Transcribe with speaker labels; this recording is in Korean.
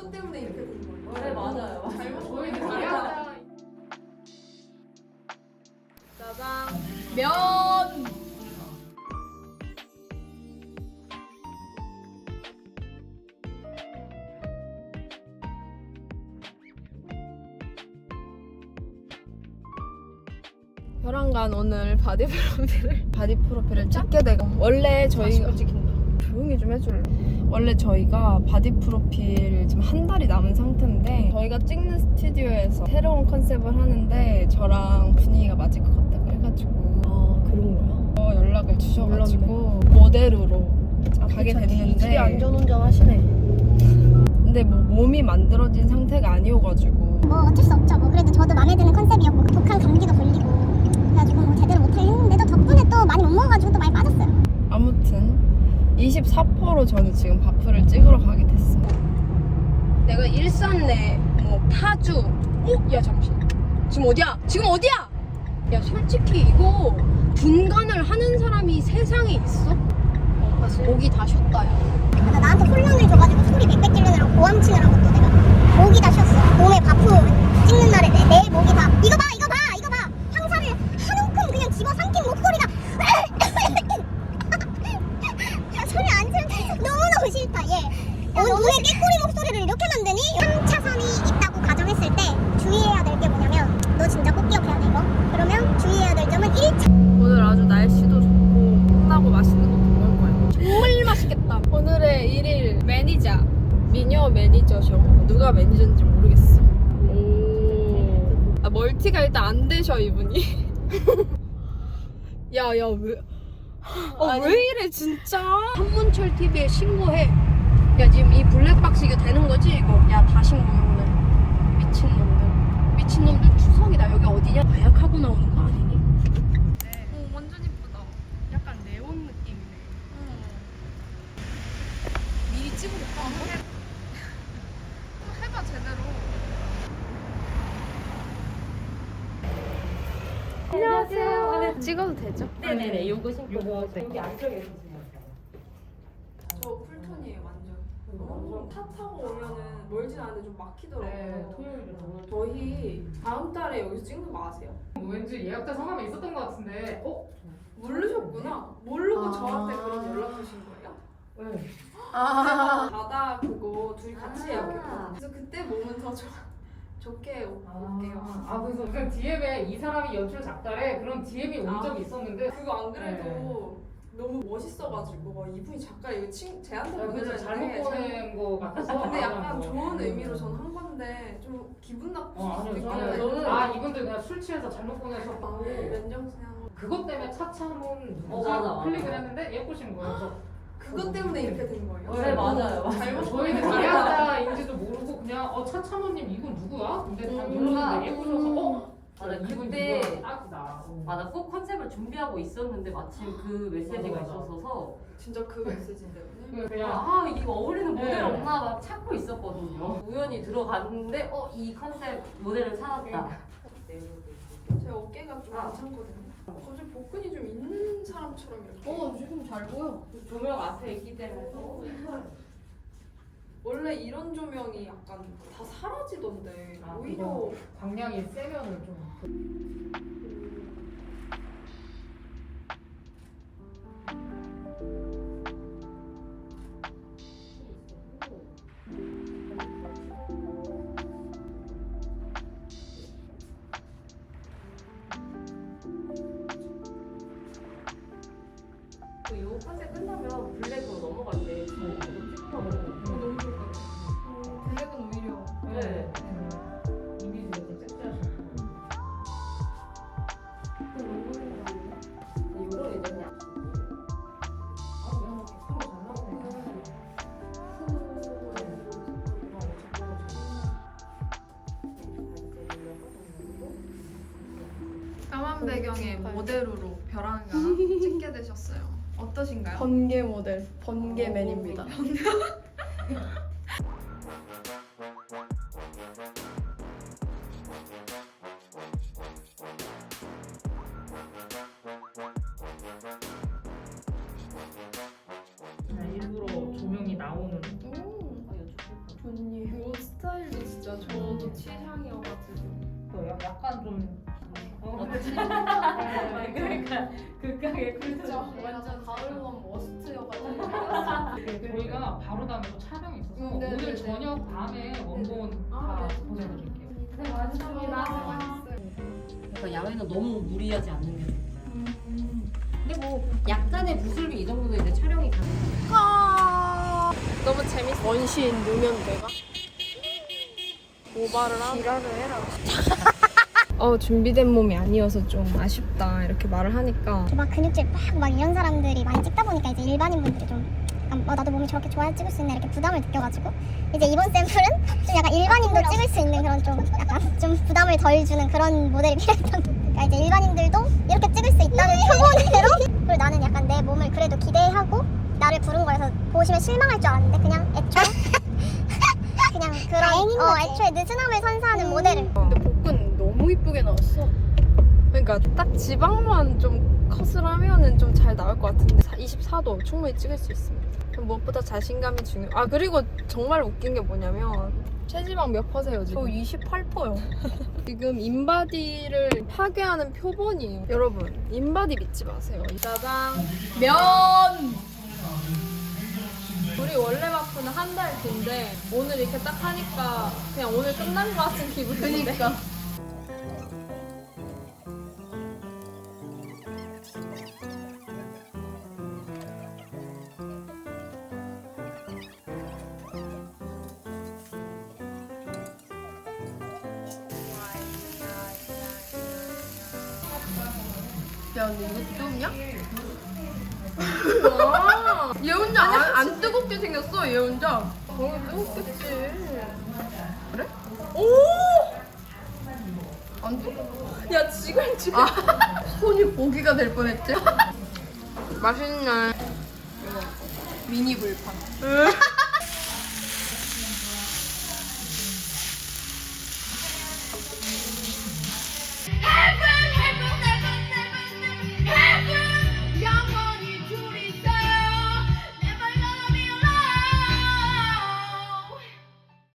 Speaker 1: 그것 때문에 이렇게 된 거예요.
Speaker 2: 네, 맞아요.
Speaker 1: 잘못
Speaker 3: 보이는
Speaker 1: 보이는
Speaker 3: 거야?
Speaker 1: 짜장.
Speaker 2: 면!
Speaker 4: 벼랑간 오늘 바디 프로필을 찍게 되고 원래 저희가
Speaker 2: 찍힌다.
Speaker 4: 조용히 좀 해줄래? 원래 저희가 바디 프로필 지금 한 달이 남은 상태인데 저희가 찍는 스튜디오에서 새로운 컨셉을 하는데 저랑 분위기가 맞을 것 같다 그래가지고
Speaker 2: 그런 거야?
Speaker 4: 연락을 주셔가지고 모델으로 가게 됐는데
Speaker 2: 되게 안전운전 하시네.
Speaker 4: 근데 뭐 몸이 만들어진 상태가 아니어가지고
Speaker 5: 뭐 어쩔 수 없죠. 뭐 그래도 저도 마음에 드는 컨셉이었고 독한 감기도 걸리고 그래가지고 뭐 제대로 못하긴 했는데도 덕분에 또 많이 못 먹어가지고 또 많이 빠졌어요.
Speaker 4: 아무튼 24%로 저는 지금 바프를 찍으러 가게 됐어요. 내가 일산 내 뭐 파주 야 잠시만 지금 어디야? 지금 어디야? 야 솔직히 이거 분간을 하는 사람이 세상에 있어? 목이 다 쉬었다 야.
Speaker 5: 그래서 나한테 혼란을 줘가지고 소리 빽빽 지르느라고 고함 치느라고 또 내가 목이 다 쉬었어. 몸에 바프 찍는 날에 내 목이 다 이거 봐 황사를 한 움큼 그냥 집어삼킨 목소리가 야, 소리 안 지르면 너무너무 싫다 얘. 눈에 깨꼬리 목소리를 이렇게 만드니? 3차선이 있다고 가정했을 때 주의해야 될 게 뭐냐면 너 진짜 꼭 기억해야 돼 이거. 그러면 주의해야 될 점은 1차
Speaker 4: 오늘 아주 날씨도 좋고 끝나고 맛있는 것도 먹을 거예요. 정말 맛있겠다. 오늘의 1일 매니저 미녀 매니저셔. 누가 매니저인지 모르겠어. 오. 멀티가 일단 안 되셔 이분이. 야야 왜? 왜 이래 진짜?
Speaker 2: 한문철 TV에 신고해. 야 지금 이 블랙박스 이거 되는 거지 이거? 야 다 신고해. 미친놈들 추석이다. 여기 어디냐? 마약하고 나오는 거 아니니?
Speaker 4: 완전 이쁘다. 약간 네온 느낌이네. 미리 찍어볼까? 해봐 제대로. 안녕하세요. 찍어도 되죠?
Speaker 2: 네네네. 요거 신고.
Speaker 3: 여기 안쪽에 있으세요.
Speaker 1: 저 쿨톤이에요 완전. 차 타고 오면은 멀진 않은데 좀 막히더라고요.
Speaker 3: 네, 토요일에
Speaker 1: 저희 다음 달에 여기서 찍는 거 아세요?
Speaker 3: 왠지 예약자 성함에 있었던 것 같은데.
Speaker 1: 모르셨구나. 모르고 저한테 그런 연락 주신 거예요?
Speaker 3: 네.
Speaker 1: 바다 그거 둘이 같이 예약했거든요. 그래서 그때 몸은 더 좋게 올게요.
Speaker 3: 그래서 무슨 DM에 이 사람이 연출 작가래 그런 DM이 온
Speaker 1: 아.
Speaker 3: 적이 있었는데.
Speaker 1: 그거 안 그래도 너무 멋있어가지고 이분이 작가 이거 제한테
Speaker 3: 그래서
Speaker 1: 보내줬는데
Speaker 3: 잘못 보낸 거 같아서.
Speaker 1: 근데 약간 좋은 의미로 전 한 건데 좀 기분 나쁠 수도
Speaker 3: 아니요,
Speaker 1: 있겠다.
Speaker 3: 저는 이분들 그냥 술 취해서 잘못 보내셨고
Speaker 1: 면정상
Speaker 3: 그것 때문에 차차문
Speaker 2: 맞아.
Speaker 3: 클릭을 했는데 예쁘신 거예요. 그래서
Speaker 1: 그것 때문에 이렇게 된 거예요.
Speaker 2: 네, 맞아요.
Speaker 1: 잘못
Speaker 3: 저희는
Speaker 1: 보낸 거예요.
Speaker 3: 예약자인지도 모르고 그냥 차차모님 이분 누구야? 근데 다 눌렀는데 예쁘셔서
Speaker 2: 맞아,
Speaker 3: 이분
Speaker 2: 그때
Speaker 3: 누구야? 딱이다.
Speaker 2: 맞아, 꼭 컨셉을 준비하고 있었는데 마침 그 메시지가
Speaker 3: 맞아.
Speaker 2: 있어서
Speaker 1: 진짜 그 메시지인데 오늘.
Speaker 3: 그냥
Speaker 2: 이거 어울리는 모델
Speaker 3: 네.
Speaker 2: 없나 막 찾고 있었거든요. 우연히 들어갔는데 이 컨셉 모델을 찾았다.
Speaker 1: 제 어깨가 좀 괜찮거든요. 갑자기 복근이 좀 있는 사람처럼 이렇게.
Speaker 2: 지금 잘 보여. 조명 앞에 있기 때문에.
Speaker 1: 원래 이런 조명이 약간 다 사라지던데 오히려
Speaker 3: 그거 광량이 세면은 좀
Speaker 2: 이 컨셉 끝나면 블랙으로 넘어갈 때 이거 찍고
Speaker 1: 너무 좋을 것 같아요. 블랙은 오히려
Speaker 2: 네.
Speaker 3: 이미지가 좀 섹시하시고
Speaker 2: 이거를 이제 그냥
Speaker 3: 그냥 뭐 잘 나오네.
Speaker 1: 까만 배경의 모델로 벼랑가 찍게 되셨어요. 어떠신가요?
Speaker 4: 번개 모델, 번개맨입니다.
Speaker 3: 일부러 조명이 나오는
Speaker 2: 이거 좋겠다.
Speaker 4: 언니 옷 스타일도 진짜 저도 취향이어가지고.
Speaker 3: 약간 좀
Speaker 1: 그러니까 극강의
Speaker 4: 그죠? 완전 가을원 머스트여가지고.
Speaker 3: 저희가 바로 다음에 또 촬영이 있어서
Speaker 4: 네,
Speaker 3: 오늘
Speaker 4: 네,
Speaker 3: 저녁 밤에 원본
Speaker 4: 아,
Speaker 3: 다
Speaker 4: 네.
Speaker 3: 보내드릴게요.
Speaker 1: 네, 맞습니다.
Speaker 6: 그러니까 야외는 너무 무리하지 않는 게 좋고. 근데 뭐 약간의 부슬비 이 정도도 이제 촬영이 가능해요.
Speaker 4: 너무 재밌어. 원시인 누면 내가 모발을 하고 지랄을 해라. 준비된 몸이 아니어서 좀 아쉽다 이렇게 말을 하니까
Speaker 5: 막 근육질 막 이런 사람들이 많이 찍다 보니까 이제 일반인분들이 좀 약간 나도 몸이 저렇게 좋아야 찍을 수 있나 이렇게 부담을 느껴가지고 이제 이번 샘플은 좀 약간 일반인도 찍을 수 있는 그런 좀 약간 좀 부담을 덜 주는 그런 모델이 필요했던 그러니까 이제 일반인들도 이렇게 찍을 수 있다는 표본으로 그리고 나는 약간 내 몸을 그래도 기대하고 나를 부른 거여서 보시면 실망할 줄 알았는데 그냥 애초에 그냥 그런 애초에 느슨함을 선사하는 모델을
Speaker 4: 근데 복근 너무 이쁘게 나왔어. 그러니까 딱 지방만 좀 컷을 하면은 좀 잘 나올 것 같은데 24도 충분히 찍을 수 있습니다. 무엇보다 자신감이 중요. 그리고 정말 웃긴 게 뭐냐면 체지방 몇 퍼세요 지금? 저 28%요. 지금 인바디를 파괴하는 표본이에요. 여러분 인바디 믿지 마세요. 짜장 면. 우리 원래 바프는 한 달 뒤인데 오늘 이렇게 딱 하니까 그냥 오늘 끝난 것 같은 기분인데. 그러니까. 야, 근데 이거 뜨겁냐? 얘 혼자 안 뜨겁게 생겼어, 얘 혼자. 뜨겁겠지. 그래? 오! 안 뜨거워. 야, 지금. 손이 고기가 될 뻔했지? 맛있네. 이거 미니 불판.